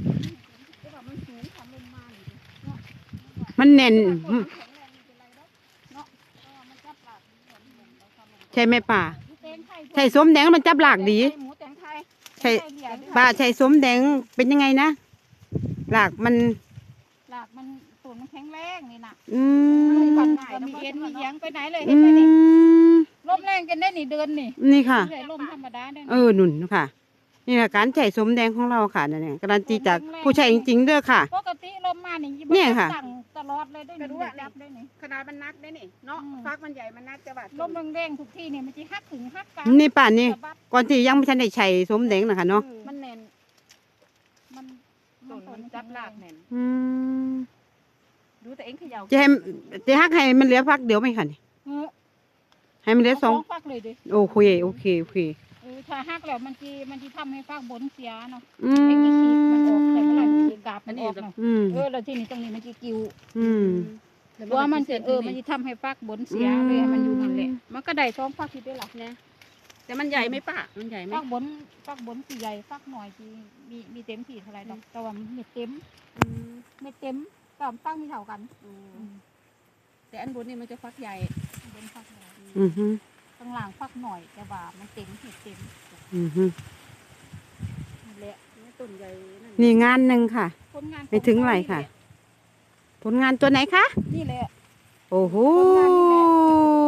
แต่ว่ามันสูงทำลงมาเลยเนาะมันแน่นแข็งแรงไม่เป็นไรเนาะเพราะว่ามันจับหลักใช่ไหมป่าแตงไทยใช่ส้มแดงมันจับหลากดีหมูแตงไทยใช่ป่าใช่ส้มแดงเป็นยังไงนะหลากมันหลักมันส่วนมันแข็งแรงนี่นะอืมันมปั่นง่ายมีเอ็นมีเยียงไปไหนเลยอืเห็นไหมนี่มลมแรงกันได้นี่เดินนี่นี่ค่ะเลยลมธรรมดาได้หนุนค่ะ นี่ค่ะการใช้ส้มแดงของเราค่ะนั่นเองการันตีจากผู้ใช้จริงๆเด้อค่ะปกติลมมานี่เนี่ยค่ะสั่งตลอดเลยได้นี่จับได้นี่ขนาดมันนักได้นี่เนาะฟักมันใหญ่มันนักจะบาดลมแรงๆทุกที่เนี่ยมันจะหักถึงหักกลางนี่ป่านนี่ก่อนที่ยังไม่ทันได้ใช้ส้มแดงนะคะเนาะมันแน่นมันต้นมันจับหลากแน่นอืมดูแต่เองเขย่าจะฮักให้มันเหลือพักเดียวไหมคะนี่เออให้มันเหลือสองฟักเลยดิโอเคโอเคโอเคถ้าหักแล้วมันจะทำให้ฟักบนเสียเนาะอืไอ้นี่ขีดมันออกแต่มเมื่อไหร่มันกาบมันออกเนาะอืมแล้วที่นี่ตรงนี้มันจะกิ้วอืมว่ามันจะมันจะทำให้ฟักบนเสียเลยมันอยู่นั่นแหละมันก็ได้ท้องฟักที่ได้หลักนะแต่มันใหญ่ไหมป้ามันใหญ่ไหมฟักบนสีใหญ่ฟักหน่อยที่มีเต็มที่เท่าไรดอกแต่ว่าไม่เต็มก็ฟักไม่เท่ากันแต่อันบนนี่มันจะฟักใหญ่บนฟักใหญ่อืมฮึข้างล่างฟักหน่อยแต่ว่ามันเต็มเห็ดเต็มอืมฮึนั่นแหละต้นใหญ่นี่งานหนึ่งค่ะผลงานไปถึงไหนค่ะ ผลงานตัวไหนคะนี่แหละโอ้โหผลงานนี่แหละ